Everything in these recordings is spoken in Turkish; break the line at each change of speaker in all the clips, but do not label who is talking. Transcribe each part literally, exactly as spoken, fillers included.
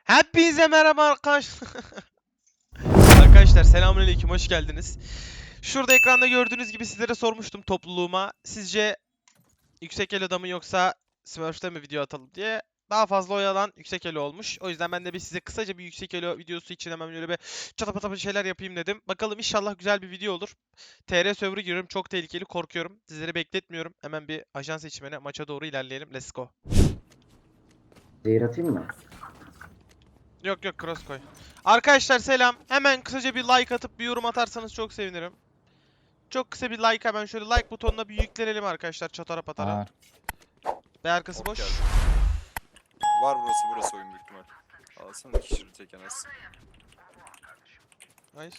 Hepinize merhaba arkadaşlar. Arkadaşlar selamünaleyküm, hoş geldiniz. Şurada ekranda gördüğünüz gibi sizlere sormuştum topluluğuma. Sizce yüksek elo'da mı yoksa Smurf'te mi video atalım diye. Daha fazla oy alan yüksek elo olmuş. O yüzden ben de bir size kısaca bir yüksek elo videosu için hemen böyle bir çatapata bir şeyler yapayım dedim. Bakalım inşallah güzel bir video olur. T R server'ı giriyorum. Çok tehlikeli, korkuyorum. Sizleri bekletmiyorum. Hemen bir ajan seçimine maça doğru ilerleyelim. Let's go.
Zehir atayım mı?
Yok yok, cross koy. Arkadaşlar selam. Hemen kısaca bir like atıp bir yorum atarsanız çok sevinirim. Çok kısa bir like, hemen şöyle like butonuna bir yüklenelim arkadaşlar, çatara patara.
Var.
Ve arkası
Hop
boş.
geldi. Var burası burası oyun büyük ihtimal. Alsana iki kişi tek en az.
Nice.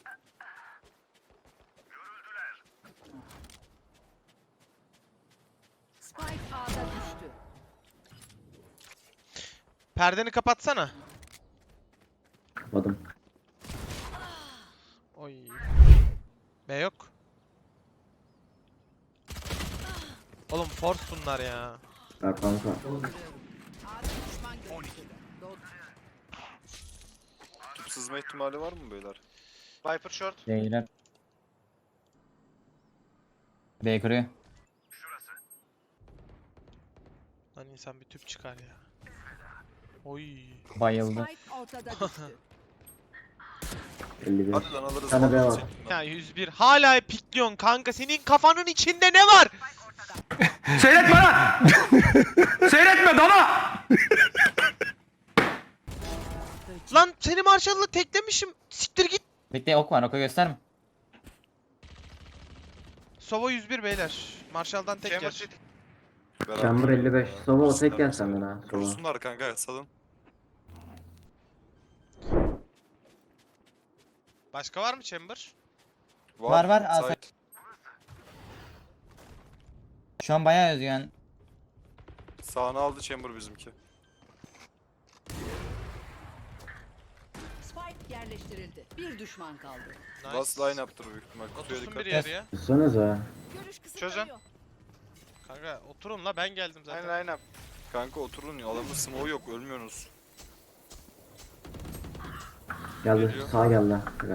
Spike A'da düştü.
Perdeni kapatsana.
Kapadım.
Oy. B yok. Oğlum force bunlar ya.
Ya kanka.
A'da düşman görüldü.
Tüp sızma ihtimali var mı beyler?
Viper short.
Değiller. B kırıyor.
Lan insan bir tüp çıkar ya. Oy.
Bayıldı.
Spike ortada düştü.
elli bir.
Hadi lan alırız.
Sana B
alırız.
var.
Ya yüz bir. Hala pikliyorsun kanka. Senin kafanın içinde ne var?
Seyretme lan! Seyretme dana!
Lan seni Marshall'la teklemişim. Siktir git.
Bekle, ok var, oku gösterme.
Sova yüz bir beyler. Marshall'dan tek
Chamber
yer.
City.
Beraber.
Chamber elli beş.
Ya,
Sova o tek
kurusunlar
gel
mesela.
senden ha. Sova.
Kurusunlar kanka salın.
Başka var mı Chamber?
Var, var, al sen.
Site.
Şu an bayağı özgüven.
Sağını aldı chamber bizimki.
Spike yerleştirildi. Bir düşman kaldı.
Nice.
Last line yaptır büyük ihtimal. Kutuya
Otursun
dikkat.
bir yarıya.
Tutsanıza.
Görüş
Çözün.
Kanka oturun la, ben geldim zaten.
Aynen aynen.
Kanka oturun ya adamın smoke yok ölmüyorsunuz.
Geldi.
Geliyor.
Sağ geldi. Güzel.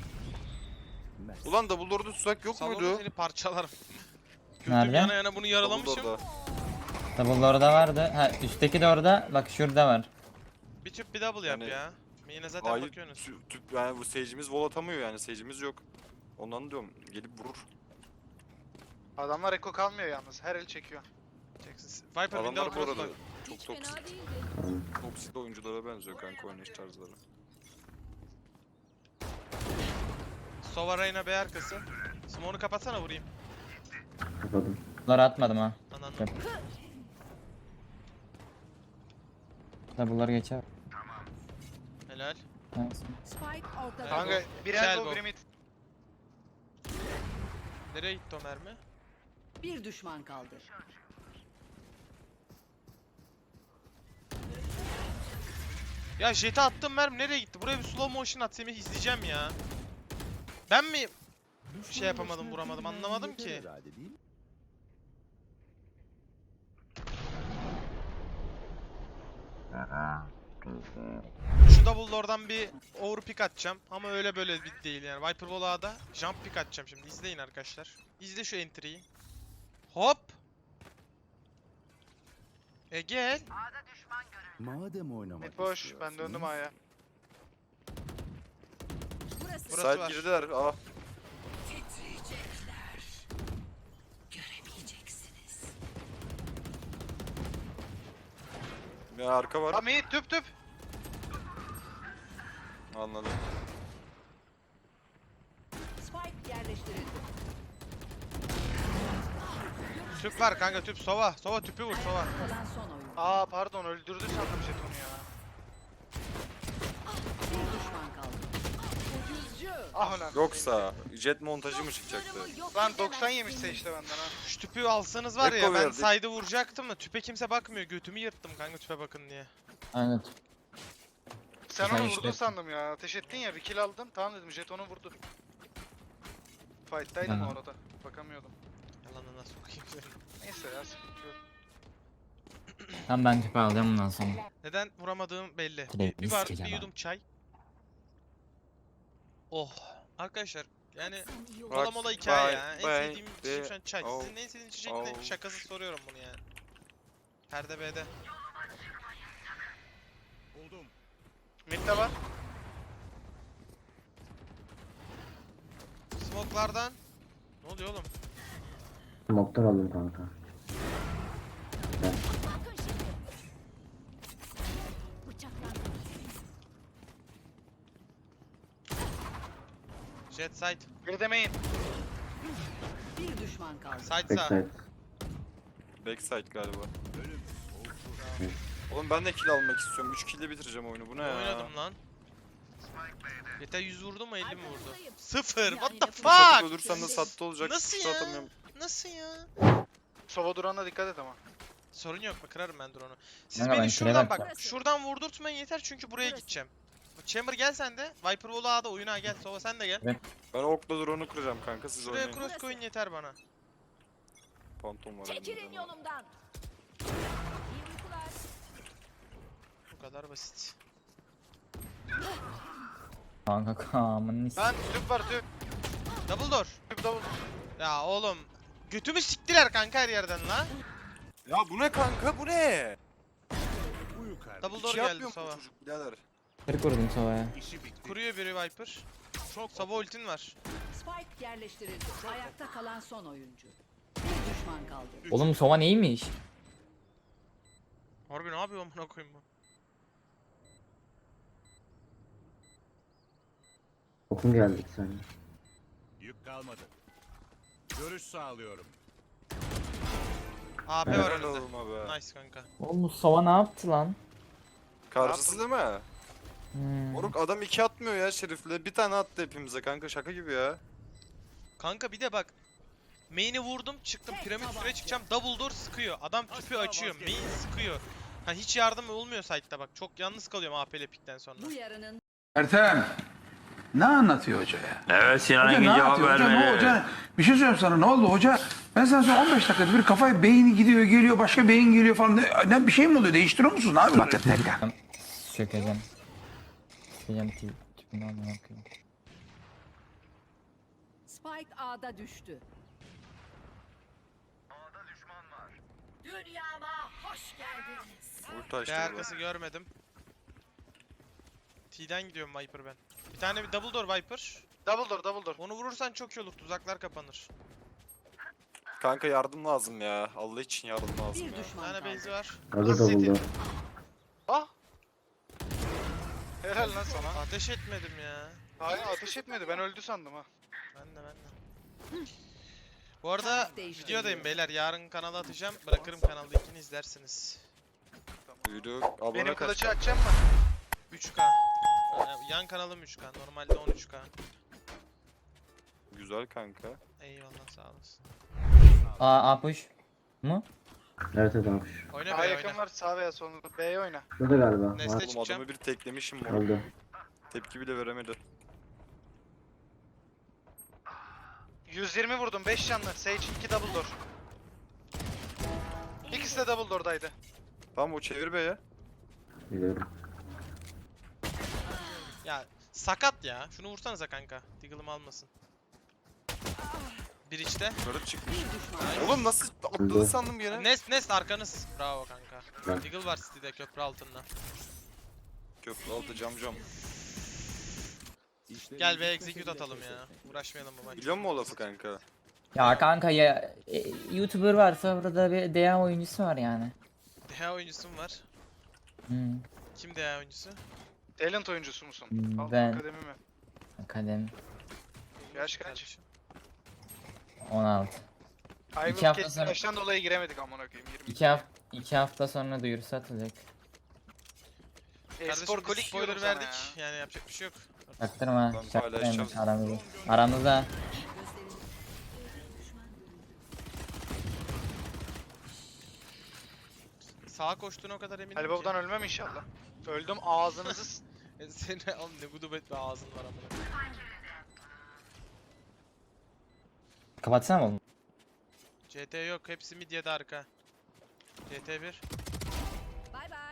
Ulan Dumbledore'da tuzak yok
Salonda
muydu?
seni parçalarım. Götüm
Nerede?
yana yana bunu yaralamışım.
Dumbledore'da.
Double orada vardı. Ha, üstteki de orada. Bak şurada var.
Bir tüp bir double yap
Yani-
ya. Yine zaten
Hayır,
bakıyorsunuz.
tü- tüp yani bu sage'imiz vol atamıyor yani sage'imiz yok. Ondan diyorum gelip vurur.
Adamlar eko kalmıyor yalnız. Her el çekiyor.
Çeksin. Viper
Adamlar
window
bu
cross
arada
koy.
çok toksik,
Tamam.
toksik oyunculara benziyor kanka oynayış tarzları.
Sova Reyna B arkası. Smoke'unu kapatsana, vurayım.
Kapadım.
Bunları atmadım ha.
Ananı.
Yap. Double'ları geçer.
Helal.
Nice.
Spike ortada.
Kanka bir
Güzel
elbow
bu.
biri mid.
Nereye gitti o mermi?
Bir düşman kaldı.
Ya jet'e attım, mermi nereye gitti? Buraya bir slow motion at, Semih, izleyeceğim ya. Ben mi şey yapamadım, vuramadım, anlamadım ki. Şu double door'dan bir overpick atacağım ama öyle böyle bir değil yani. Viper Vola'da jump pick atacağım şimdi. İzleyin arkadaşlar. İzle şu entry'yi. Hop. E gel.
Madem oynamak
Mid boş.
istiyorsunuz,
Ben döndüm A'ya.
Burası.
Burası
Side
var.
girdiler. Ah.
Göremeyeceksiniz.
Bir arka var.
Aa mid tüp tüp.
Anladım.
Spike yerleştirildi.
Tüp var kanka, tüp. Sova. Sova tüpü vur, Sova.
Kalan son oyun.
Aa pardon öldürdü sandım jetonu ya.
Bir düşman kaldı. Ucuzcu.
Ah ulan.
Yoksa jet montajı mı çıkacaktı?
Lan doksan yemişse işte benden ha.
Şu tüpü alsanız var ya,
Eko
ben
verdik.
side'ı vuracaktım da tüpe kimse bakmıyor. Götümü yırttım kanka tüpe bakın diye.
Aynen.
Sen
Sen
onu
işte-
vurdun sandım ya. Ateş ettin ya bir kill aldın. Tamam dedim jetonu vurdu. Fight'taydım
Aha.
orada. Bakamıyordum.
Yalanına sokayım seni.
Neyse ya sıkıntı yok.
Tamam ben tüpe alacağım bundan sonra.
Neden vuramadığım belli. Bir,
Direkt
bir, bar, bir
sikeceğim
yudum çay. Oh. Arkadaşlar yani
Bak,
mola mola hikaye ya. En
bak,
sevdiğim içecek şu an çay.
oh,
Sizin en sevdiğiniz içecek ne?
oh.
Şakası soruyorum bunu yani. Perde B'de.
Mid'de var.
Smoke'lardan. Ne oluyor oğlum?
Smoke'tan aldım kanka. Güzel.
Jet side.
Bir demeyin.
Bir düşman kaldı.
Side sağ.
Backside.
Backside galiba. Oğlum ben de kill almak istiyorum. üç kill ile bitireceğim oyunu. Bu ne ya?
Oynadım lan. Yeter yüz vurdu mu elli mi vurdu? Sıfır. What the
Satıp
fuck?
ölürsem de sattı olacak.
Nasıl
Kutu
ya?
atamıyorum.
Nasıl ya?
Sova durana dikkat et ama.
Sorun yok mu? Kırarım ben drone'u. Siz
Kanka ben
beni
şuraya
şuradan bak.
bakacağım.
Şuradan vurdurtmayın yeter çünkü buraya gideceğim. Chamber gel sen de. Viper Wall'u A'da oyuna gel. Sova sen de gel.
Ben okla drone'u kıracağım kanka. Siz
Şuraya
oynayın.
cross koyun yeter bana.
Phantom var. elimde
Çekilin
ama.
yolumdan.
Bu kadar basit.
Kanka kamın nis.
Ben tüp var tüp.
Double door.
Tüp double.
Ya oğlum. Götümü siktiler kanka her yerden la.
Ya bu ne kanka? Bu ne?
Double door
İki
geldi
yapmıyor mu
Sova.
bu çocuk birader?
kırk vurdum Sova'ya.
Kuruyor biri Viper. Sova ultin var.
Spike yerleştirildi. Ayakta kalan son oyuncu. Bir düşman kaldı.
Oğlum Sova neymiş?
Harbi ne yapıyor amına koyayım bu?
Okun geldi bir saniye.
Yük kalmadı. Görüş sağlıyorum.
A P var
Helal
önünde.
olma be.
Nice kanka.
Oğlum bu Sova ne yaptı lan?
Karşısı değil mi?
Hmm.
Moruk adam iki atmıyor ya Şerif'le. Bir tane attı hepimize kanka. Şaka gibi ya.
Kanka bir de bak. Main'i vurdum çıktım piramit süre çıkacağım double door sıkıyor. Adam tüpü açıyor main sıkıyor. Ha hiç yardım olmuyor site'da bak. Çok yalnız kalıyorum A P ile pikten sonra.
Bu yarının
Ertem. Ne anlatıyor hoca ya?
Evet Sinan
Hoca ne
Engin cevap
anlatıyor? Hoca, ne,
vermeli.
hoca, bir şey söyleyeyim sana, ne oldu hoca? Ben sana söyleyeyim, on beş dakikada bir kafaya beyni gidiyor geliyor, başka beyin geliyor falan. Ne, ne bir şey mi oluyor? Değiştiriyor musun? Ne yapıyorsun?
Çökeceğim. Çökeceğim tip. Tipini almaya bakıyorum.
Spike A'da düştü. Dünyama hoş geldiniz.
Ulti açtı
B
burada.
arkası görmedim. T'den gidiyorum Viper ben. Bir tane bir double door Viper.
Double door double door.
Onu vurursan çok iyi olur. Tuzaklar kapanır.
Kanka yardım lazım ya. Allah için yardım lazım
Bir
ya.
Bir
düşman
tane
kaldı.
base'i var.
Orada double door.
Ah. Helal lan sana.
Ateş etmedim ya.
Hayır ateş etmedi. Ben öldü sandım ha.
Ben de ben de. Bu arada
Taraf değiştiriliyor.
videodayım beyler. Yarın kanala atacağım. Bırakırım kanalda ikini izlersiniz.
Büyüdü. Abone
Benim
kaç.
kılıcı açacağım mı?
üç K. Yani yan kanalım üç K. Normalde on üç K.
Güzel kanka.
Eyvallah sağ olasın.
A, A push. Mu?
Evet evet abi.
Oyna
Daha
be
yakın
oyna.
var sağ veya sol. B'ye oyna.
Şurada galiba.
Neste
Var.
Oğlum
çıkacağım.
adamı bir teklemişim moruk.
Öldü.
Tepki bile veremedi.
yüz yirmi vurdum. beş canlı. Sage iki double door. İkisi de double door'daydı.
Tamam o çevir be ya.
Biliyorum.
Ya sakat ya. Şunu vursanıza kanka. Diggle'ımı almasın. Bir içte.
Yukarı çıkmış.
Bir düşman.
Oğlum nasıl atladı sandım yine.
Nest Nest arkanız. Bravo kanka.
Ben-
Diggle var City'de köprü altında.
Köprü altı cam cam.
Gel be execute atalım ya. Uğraşmayalım bu maç.
Biliyor musun o lafı kanka?
Ya kanka ya e, YouTuber varsa burada bir D A oyuncusu var yani.
D H oyuncusum var.
Hmm.
Kim D H oyuncusu?
Talent oyuncusu musun?
Hmm,
Al,
ben-
Akademi mi?
Akademi
Yaş kaç?
Kardeşim.
on altı.
Ay
İki
bu
hafta
kesin
sonra-
yaştan dolayı giremedik amına koyayım. yirmi.
iki hafta iki hafta sonra duyurusu atılacak.
E-spor
Kardeşim biz
kolik
spoiler
diyorum sana
verdik.
ya.
Yani yapacak bir şey yok.
Çaktırma.
Ben
Çaktırma
paylaşacağım.
aramızda. Aramızda.
Sağa koştuğuna o kadar eminim
Ali
ki.
Baba'dan ölmem inşallah. Öldüm ağzınızı s-
E, Seni oğlum ne gudubet bir ağzın var amına.
Kapatsana oğlum.
C T yok. Hepsi mid ya da arka. C T bir.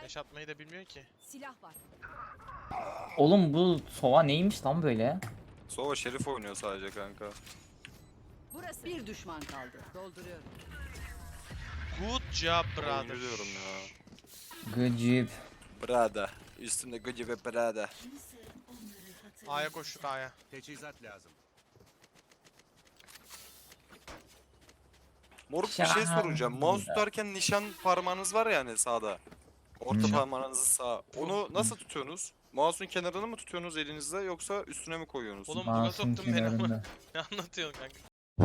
Flash atmayı da bilmiyor ki.
Silah var.
Oğlum bu sova neymiş lan böyle?
Sova Şerif oynuyor sadece kanka.
Burası. Bir düşman kaldı. Dolduruyorum.
Good job brother.
Oyuncu diyorum ya.
Gıcıp.
Brada. Üstümde gıcı ve brada.
A'ya koştuk A'ya.
Teçhizat lazım.
Moruk bir şey
Şahan.
soracağım. Mouse tutarken nişan parmağınız var ya hani sağda. Orta
Hı.
parmağınızı sağ. Onu nasıl tutuyorsunuz? Mouse'un kenarını mı tutuyorsunuz elinizde yoksa üstüne mi koyuyorsunuz?
Oğlum buga
Masum
soktun beni ama.
kenarında.
Ne anlatıyorsun kanka?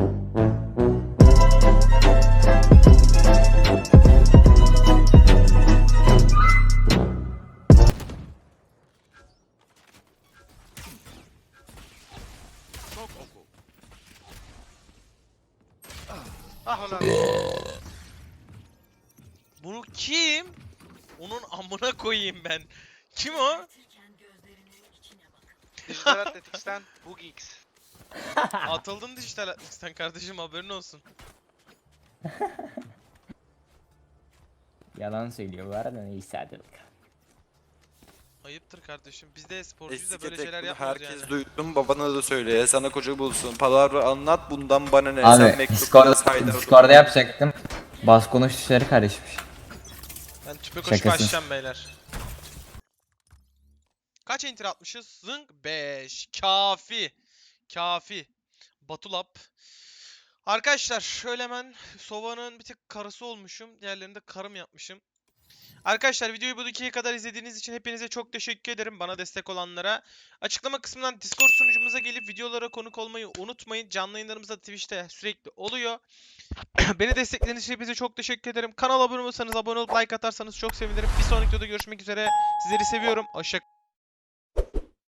Çok oku.
Ah ulan.
Bunu kim? Onun amına koyayım ben. Kim o?
Dijital Athletics'ten Bugix.
Atıldın dijital Athletics'ten kardeşim, haberin olsun.
Yalan söylüyor bu arada, neyse hadi bakalım.
Ayıptır kardeşim. Biz de sporcuyuz da
Eski
böyle şeyler
tek
yapmıyoruz
herkes
yani.
duydum, babana da söyle. Sana koca bulsun. Palavra anlat, bundan bana ne? Sen
Abi
mektup
Discord,
yaz, haydar
Discord'da
dur.
yapacaktım. Bas konuş tuşları karışmış.
Ben tüpe koşup
Şakasız.
açacağım beyler. Kaç enter atmışız? Zınk beş. Kafi. Kafi. Batulap. Arkadaşlar şöyle hemen Sova'nın bir tık karısı olmuşum. Diğerlerini de karım yapmışım. Arkadaşlar videoyu bu dakikaya kadar izlediğiniz için hepinize çok teşekkür ederim. Bana destek olanlara. Açıklama kısmından Discord sunucumuza gelip videolara konuk olmayı unutmayın. Canlı yayınlarımız da Twitch'te sürekli oluyor. Beni desteklediğiniz için hepinize çok teşekkür ederim. Kanala abone olursanız, abone olup like atarsanız çok sevinirim. Bir sonraki videoda görüşmek üzere. Sizleri seviyorum. Hoşça